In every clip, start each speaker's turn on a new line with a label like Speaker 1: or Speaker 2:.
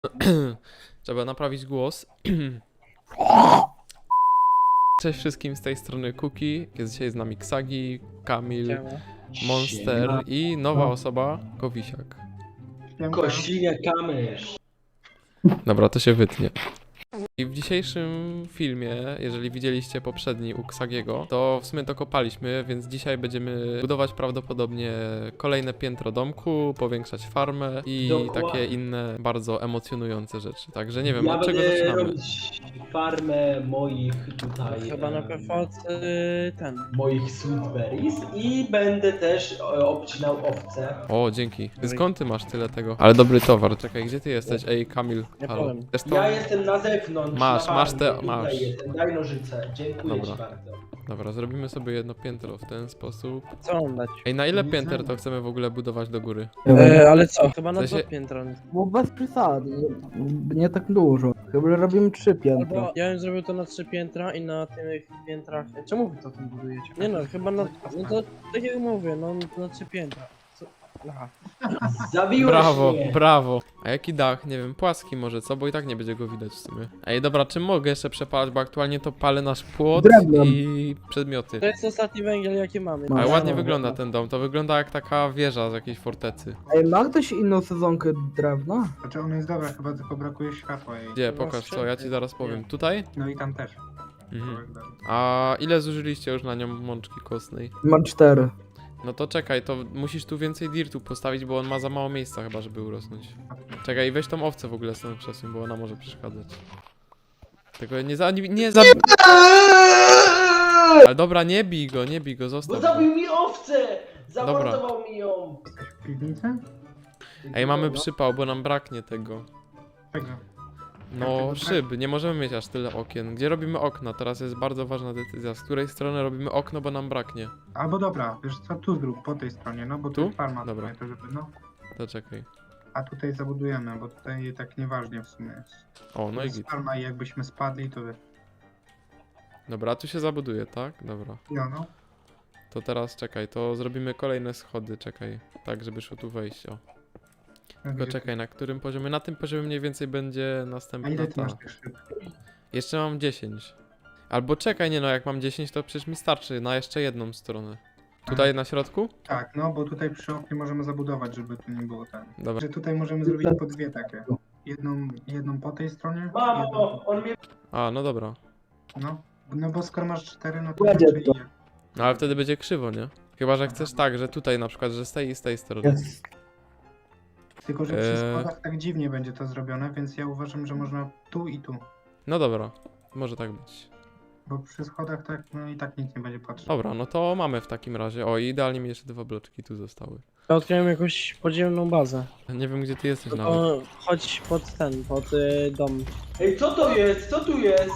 Speaker 1: Trzeba naprawić głos. Cześć wszystkim, z tej strony Kuki. Jest dzisiaj z nami Ksagi, Kamil, Monster i nowa osoba, Kowisiak.
Speaker 2: Kościnie kamysz.
Speaker 1: Dobra, to się wytnie. I w dzisiejszym filmie, jeżeli widzieliście poprzedni u Ksagiego, to w sumie to kopaliśmy, więc dzisiaj będziemy budować prawdopodobnie kolejne piętro domku, powiększać farmę i
Speaker 2: Dokładnie.
Speaker 1: takie inne bardzo emocjonujące rzeczy. Także nie wiem,
Speaker 2: Ja
Speaker 1: od czego
Speaker 2: będę
Speaker 1: zaczynamy.
Speaker 2: robić farmę moich tutaj...
Speaker 3: Chyba na PV ten.
Speaker 2: moich sweetberries i będę też obcinał owce.
Speaker 1: O, dzięki. Skąd ty masz tyle tego? Ale dobry towar. Czekaj, gdzie ty jesteś? Ej, Kamil,
Speaker 3: Ja
Speaker 1: halo.
Speaker 3: powiem.
Speaker 1: Też to?
Speaker 2: Ja jestem na zewnątrz.
Speaker 1: Masz,
Speaker 2: na
Speaker 1: masz
Speaker 2: farmie,
Speaker 1: te-
Speaker 2: tutaj
Speaker 1: masz.
Speaker 2: Jestem. Daj nożyce. Dziękuję
Speaker 1: Dobra.
Speaker 2: ci bardzo.
Speaker 1: Dobra, zrobimy sobie jedno piętro w ten sposób.
Speaker 3: Co mam dać?
Speaker 1: Ej, na ile
Speaker 4: Nie
Speaker 1: pięter
Speaker 4: znam.
Speaker 1: to chcemy w ogóle budować do góry?
Speaker 3: Ale co? Chyba na
Speaker 1: W sensie-
Speaker 3: 2 piętra.
Speaker 4: Bo bez przesady, nie tak dużo. Chyba że robimy 3 piętra.
Speaker 3: Albo ja bym zrobił to na 3 piętra i na tych piętrach. Czemu wy to tam budujecie? Nie no, chyba na. No to tak jak mówię, no na 3 piętra. Co? Aha.
Speaker 2: Zabiłeś
Speaker 1: Brawo,
Speaker 2: mnie.
Speaker 1: brawo. A jaki dach? Nie wiem, płaski może, co? Bo i tak nie będzie go widać w sumie. Ej, dobra, czym mogę jeszcze przepalać? Bo aktualnie to palę nasz płot
Speaker 4: Drewnem.
Speaker 1: i przedmioty.
Speaker 3: To jest ostatni węgiel jaki mamy.
Speaker 1: Ale
Speaker 4: No,
Speaker 1: ładnie
Speaker 4: no,
Speaker 1: wygląda ten dom. To wygląda jak taka wieża z jakiejś fortecy.
Speaker 4: Ej, ma ktoś inną sezonkę drewna?
Speaker 5: Znaczy ona jest dobra, chyba tylko brakuje światła jej.
Speaker 1: Gdzie?
Speaker 3: To masz
Speaker 1: Pokaż co, ja ci
Speaker 3: wszędzie.
Speaker 1: zaraz powiem. Tutaj?
Speaker 5: No i tam też.
Speaker 1: Mhm. A ile zużyliście już na nią mączki kostnej?
Speaker 4: Mam 4.
Speaker 1: No to czekaj, to musisz tu więcej dirtu postawić, bo on ma za mało miejsca chyba, żeby urosnąć. Czekaj, weź tą owcę w ogóle stąd przesuń, bo ona może przeszkadzać. Tego nie za... Ale dobra, nie bij go,
Speaker 2: Bo
Speaker 1: zostaw go.
Speaker 2: zabił mi owcę! Zamordował mi ją!
Speaker 5: Jesteś w piwnicy?
Speaker 1: Ej, mamy
Speaker 2: No.
Speaker 1: przypał, bo nam braknie tego.
Speaker 5: Czego?
Speaker 1: No, szyb, nie możemy mieć aż tyle okien. Gdzie robimy okna? Teraz jest bardzo ważna decyzja. Z której strony robimy okno, bo nam braknie.
Speaker 5: Albo dobra, wiesz co, tu zrób, po tej stronie, no bo tu
Speaker 1: Tu?
Speaker 5: jest farma
Speaker 1: Dobra.
Speaker 5: tutaj, to żeby, no.
Speaker 1: To czekaj.
Speaker 5: A tutaj zabudujemy, bo tutaj tak nieważnie w sumie jest.
Speaker 1: O, no
Speaker 5: To
Speaker 1: i
Speaker 5: jest
Speaker 1: git.
Speaker 5: farma i jakbyśmy spadli, to wiesz.
Speaker 1: Dobra, tu się zabuduje, tak? Dobra.
Speaker 5: No.
Speaker 1: To teraz czekaj, to zrobimy kolejne schody, czekaj. Tak, żeby szło tu wejść, o. Tylko
Speaker 5: Gdzie-
Speaker 1: czekaj, na którym poziomie? Na tym poziomie mniej więcej będzie
Speaker 5: A
Speaker 1: następna
Speaker 5: ile ty
Speaker 1: ta.
Speaker 5: masz tych szyb?
Speaker 1: Jeszcze mam 10. Albo czekaj, nie no, jak mam 10 to przecież mi starczy na jeszcze jedną stronę. Tutaj na środku?
Speaker 5: Tak, no bo tutaj przy oknie możemy zabudować, żeby tu nie było ten.
Speaker 1: Dobra.
Speaker 5: Że tutaj możemy zrobić po dwie takie. Jedną po tej stronie. jedną
Speaker 2: Mamo, on mnie...
Speaker 1: A, no dobra.
Speaker 5: No bo skoro masz 4, no to
Speaker 4: Będzie
Speaker 5: raczej
Speaker 4: to.
Speaker 5: nie.
Speaker 1: No ale wtedy będzie krzywo, nie? Chyba, że chcesz tak, że tutaj na przykład, że z tej i z tej strony.
Speaker 4: Jest.
Speaker 5: Tylko, że przy schodach tak dziwnie będzie to zrobione, więc ja uważam, że można tu i tu.
Speaker 1: No dobra, może tak być.
Speaker 5: Bo przy schodach tak, no i tak nikt nie będzie patrzył.
Speaker 1: Dobra, no to mamy w takim razie. O, i idealnie mi jeszcze 2 bloczki tu zostały.
Speaker 3: Ja odkryłem jakąś podziemną bazę.
Speaker 1: Nie wiem, gdzie ty jesteś
Speaker 3: No
Speaker 1: nawet.
Speaker 3: to chodź pod ten, pod dom.
Speaker 2: Ej, co to jest? Co tu jest?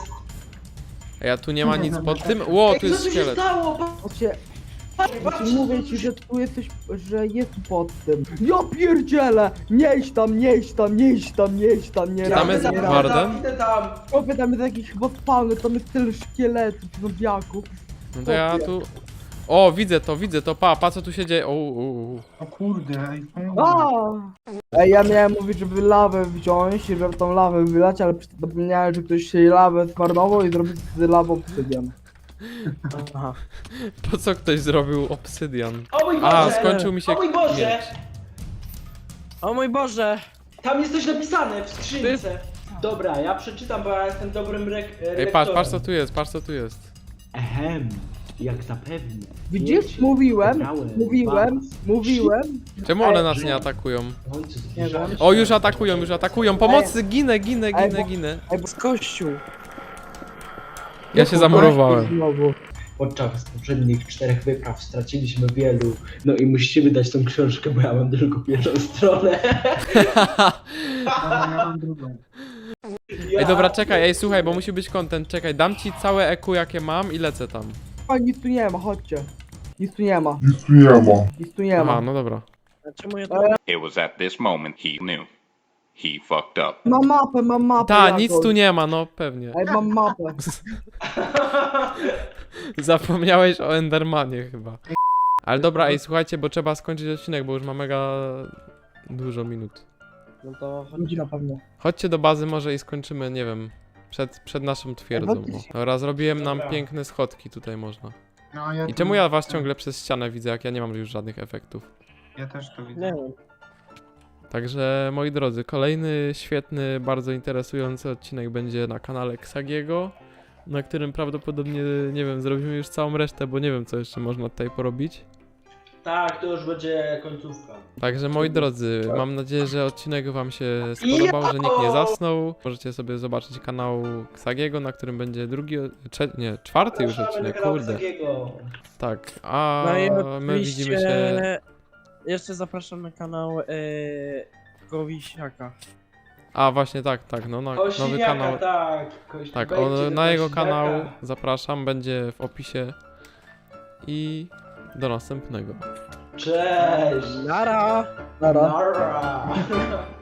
Speaker 1: Ej, a tu nie ma nic pod tym? Ło,
Speaker 2: Ej,
Speaker 1: tu
Speaker 2: co
Speaker 1: jest
Speaker 2: tu się
Speaker 1: szkielet.
Speaker 2: stało?
Speaker 4: Chodźcie,
Speaker 2: Patrzcie,
Speaker 4: mówię ci, że tu jesteś, że jest pod tym. Ja pierdzielę! Nie idź tam, nie idź tam, nie idź tam, nie idź tam, nie
Speaker 2: Ja
Speaker 1: Tam
Speaker 4: raz,
Speaker 1: jest
Speaker 4: nie raz.
Speaker 1: Warden?
Speaker 2: Idę tam.
Speaker 4: Chłopie, tam jest jakiś chyba spawny, tam jest tyle szkieletów, zombiaków.
Speaker 1: No to ja tu... O, widzę to, pa co tu się dzieje.
Speaker 5: O kurde, ej,
Speaker 4: A! Ej, ja miałem mówić, żeby lawę wziąć i żeby tą lawę wylać, ale zapomniałem, że ktoś się lawę zmarnował i zrobił z lawą obsydian.
Speaker 3: Aha.
Speaker 1: Po co ktoś zrobił obsydian?
Speaker 2: O mój Boże!
Speaker 1: A, skończył mi się
Speaker 2: O mój Boże!
Speaker 1: miecz.
Speaker 3: O mój Boże!
Speaker 2: Tam jest coś napisane w skrzynce. Dobra, ja przeczytam, bo ja jestem dobrym
Speaker 1: Ej, patrz co tu jest, patrz co tu jest.
Speaker 2: Ehem, jak zapewne.
Speaker 4: Widzisz?
Speaker 2: Wiecie,
Speaker 4: Mówiłem,
Speaker 2: wybrałem
Speaker 4: mówiłem,
Speaker 2: was.
Speaker 4: mówiłem.
Speaker 1: Czemu one nas nie atakują?
Speaker 2: W końcu
Speaker 3: Nie
Speaker 2: zbliżamy
Speaker 3: wiem.
Speaker 2: się
Speaker 1: O,
Speaker 2: do-
Speaker 1: już atakują, pomocy, ginę.
Speaker 3: Z kościół.
Speaker 1: Ja się zamurowałem.
Speaker 4: Znowu.
Speaker 2: Podczas poprzednich 4 wypraw straciliśmy wielu. No i musimy dać tą książkę, bo ja mam tylko pierwszą stronę.
Speaker 5: ja mam drugą.
Speaker 1: Ej, dobra, czekaj, ej, słuchaj, bo musi być content, czekaj, dam ci całe EQ jakie mam i lecę tam.
Speaker 4: A nic tu nie ma, chodźcie. Nic tu nie ma,
Speaker 6: Nic tu nie ma.
Speaker 4: nic tu nie
Speaker 1: Aha,
Speaker 4: ma.
Speaker 1: no dobra.
Speaker 3: A czemu ja to...
Speaker 7: It was at this moment he knew. He fucked up.
Speaker 4: Mam mapę.
Speaker 1: Ta,
Speaker 4: Jagoś.
Speaker 1: nic tu nie ma, no pewnie.
Speaker 4: Ej, mam mapę.
Speaker 1: Zapomniałeś o Endermanie chyba. Ale dobra, ej, słuchajcie, bo trzeba skończyć odcinek, bo już ma mega dużo minut.
Speaker 3: No to
Speaker 4: Ludzi na pewno.
Speaker 1: Chodźcie do bazy może i skończymy, nie wiem, przed naszą twierdzą.
Speaker 4: faktycznie.
Speaker 1: Dobra, zrobiłem nam
Speaker 2: Dobra.
Speaker 1: piękne schodki tutaj można.
Speaker 5: No, ja
Speaker 1: I
Speaker 5: tu-
Speaker 1: czemu ja was ciągle przez ścianę widzę, jak ja nie mam już żadnych efektów?
Speaker 5: Ja też to widzę.
Speaker 3: nie wiem.
Speaker 1: Także moi drodzy, kolejny świetny, bardzo interesujący odcinek będzie na kanale Xagiego, na którym prawdopodobnie, nie wiem, zrobimy już całą resztę, bo nie wiem co jeszcze można tutaj porobić.
Speaker 2: Tak, to już będzie końcówka.
Speaker 1: Także moi drodzy, mam nadzieję, że odcinek wam się spodobał, że nikt nie zasnął. Możecie sobie zobaczyć kanał Xagiego, na którym będzie czwarty już odcinek, kurde. Tak, a
Speaker 3: No i
Speaker 1: my widzimy się...
Speaker 3: oczywiście jeszcze zapraszam na kanał Kowisiaka.
Speaker 1: A właśnie tak, no na nowy
Speaker 2: Kośniaka,
Speaker 1: kanał.
Speaker 2: tak.
Speaker 1: Tak,
Speaker 2: Wejdźcie do
Speaker 1: na jego
Speaker 2: Kośniaka.
Speaker 1: kanał zapraszam, będzie w opisie. I do następnego.
Speaker 2: Cześć!
Speaker 3: Nara!
Speaker 4: Nara.
Speaker 2: Nara!